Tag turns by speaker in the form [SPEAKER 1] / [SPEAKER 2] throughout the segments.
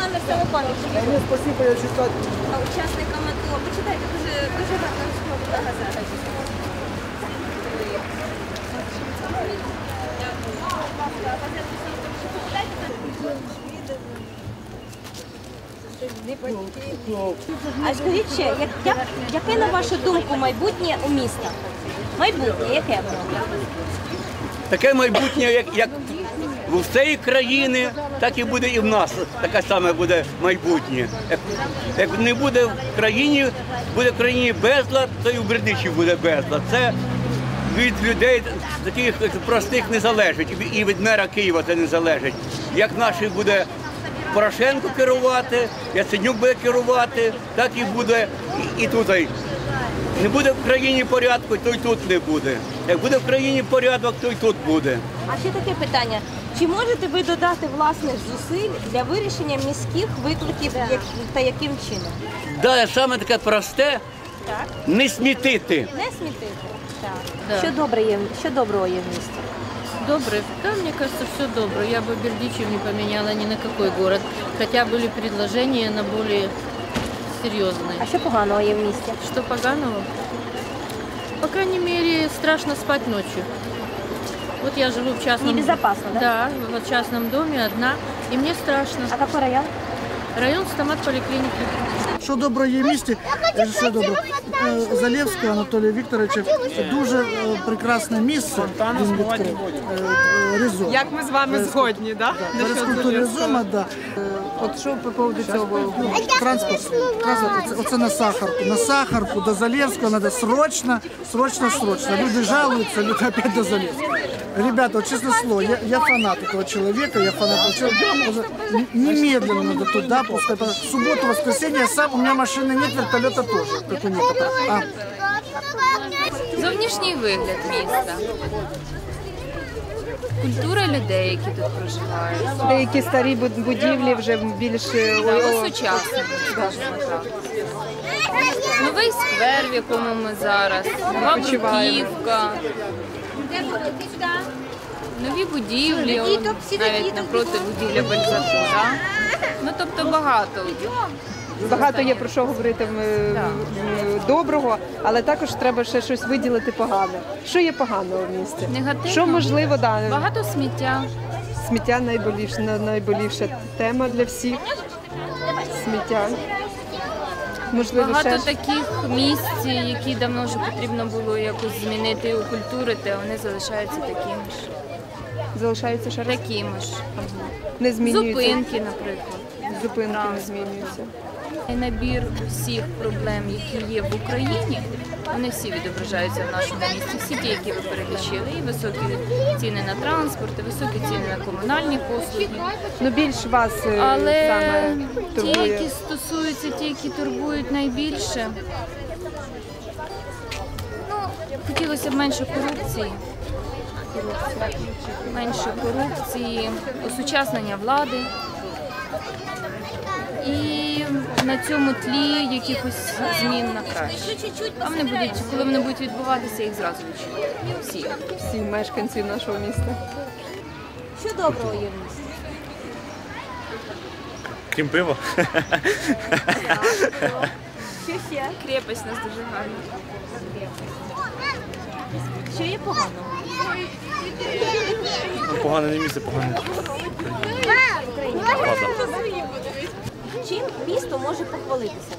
[SPEAKER 1] номер самопомічі.
[SPEAKER 2] Ні, спасибо, я читаю.
[SPEAKER 1] Учасникам АТО. Почитайте, дуже гарна газета. А скажіть ще, яке, на вашу думку, майбутнє у міста? Майбутнє, яке?
[SPEAKER 3] Таке майбутнє, як у всієї країни, так і буде і в нас. Таке саме буде майбутнє. Як не буде в країні безлад, то і в Бердичеві буде безлад. Це від людей таких простих не залежить, і від мера Києва це не залежить. Як наші буде Порошенко керувати, Яценюк буде керувати, так і буде і тут. Не буде в країні порядку, то й тут не буде. Як буде в країні порядок, то й тут буде.
[SPEAKER 1] А ще таке питання. Чи можете ви додати власних зусиль для вирішення міських викликів та яким чином?
[SPEAKER 3] Да, саме таке просте
[SPEAKER 1] Так.
[SPEAKER 3] не смітити.
[SPEAKER 1] Не смітити? Так.
[SPEAKER 4] Да.
[SPEAKER 1] Що доброго є в місті?
[SPEAKER 4] Добрый. Да, мне кажется, все доброе. Я бы Бердичев не поменяла ни на какой город. Хотя были предложения на более серьезные.
[SPEAKER 1] А що поганого є в місті?
[SPEAKER 4] Что поганого? По крайней мере, страшно спать ночью. Вот я живу в частном...
[SPEAKER 1] Небезопасно, да?
[SPEAKER 4] Да, в частном доме одна, и мне страшно.
[SPEAKER 1] А какой район?
[SPEAKER 4] Район стомат-поликлиники.
[SPEAKER 2] Що добре є в місті, що добре. Залєвського Анатолія Вікторовича дуже прекрасне місце він відкрив. Ризом.
[SPEAKER 5] Як ми з вами згодні, так?
[SPEAKER 2] Перескультури Ризома, так.
[SPEAKER 5] От що по поводу цього?
[SPEAKER 2] Транспорт, оце на Сахарку. На Сахарку до Залєвського треба срочно. Люди жалуються, люди опять до Залєвського. Ребята, вот честное слово, я фанат этого человека, немедленно надо туда пускать. В субботу, воскресенье, у меня машины нет, вертолета тоже, как у некоторых.
[SPEAKER 6] Зовнішній вигляд міста. Культура людей, які тут проживають.
[SPEAKER 5] Деякі старі будівлі вже більш
[SPEAKER 6] Сучасні, скажімо так. Новий сквер, в якому ми зараз, нова бруківка, нові будівлі, навіть напроти будівля Бальзакура. Ну, тобто багато.
[SPEAKER 5] багато є про що говорити доброго, але також треба ще щось виділити погане. Що є поганого в місті?
[SPEAKER 6] Негативно.
[SPEAKER 5] Що можливо,
[SPEAKER 6] Багато сміття.
[SPEAKER 5] Сміття найболівша тема для всіх. Сміття. Можливо,
[SPEAKER 6] Багато
[SPEAKER 5] ще...
[SPEAKER 6] таких місць, які давно вже потрібно було якось змінити і окультурити, а вони залишаються такими ж.
[SPEAKER 5] Залишаються ще раз?
[SPEAKER 6] Такими ж.
[SPEAKER 5] Не змінюються.
[SPEAKER 6] Зупинки, наприклад.
[SPEAKER 5] Зупинки не змінюються.
[SPEAKER 6] Набір всіх проблем, які є в Україні, вони всі відображаються в нашому місті. Всі ті, які ви перелічили. І високі ціни на транспорт, і високі ціни на комунальні послуги.
[SPEAKER 5] Ну, більш вас
[SPEAKER 6] Але
[SPEAKER 5] саме
[SPEAKER 6] ті,
[SPEAKER 5] турбує.
[SPEAKER 6] які стосуються, ті, які турбують найбільше, ну, хотілося б менше корупції. Менше корупції, осучаснення влади. І на цьому тлі якихось змін на краще. А вони будуть, коли вони будуть відбуватися, їх зразу відчують. Всі.
[SPEAKER 5] Всі мешканці нашого міста.
[SPEAKER 1] Що доброго є в місті?
[SPEAKER 7] Крім пива.
[SPEAKER 1] Що ще?
[SPEAKER 6] Крепость у нас дуже гарна.
[SPEAKER 1] Що є поганого?
[SPEAKER 7] Погане не місце, погане.
[SPEAKER 1] Чим місто може похвалитися?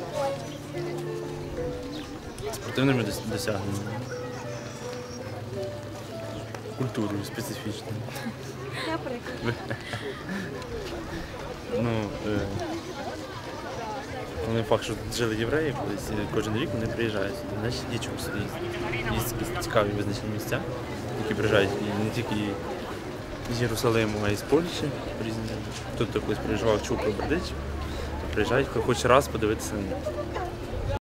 [SPEAKER 7] Спортивними досягненнями. Культурою специфічною.
[SPEAKER 1] Наприклад.
[SPEAKER 7] Ну, не факт, що тут жили євреї, колись кожен рік вони приїжджають. Значить, є чому сюди є цікаві визначені місця, які приїжджають і не тільки з Єрусалиму, а й з Польщі. Різні. Тут колись приїжджав, чув про Бердичів, приїжджають хоч раз подивитися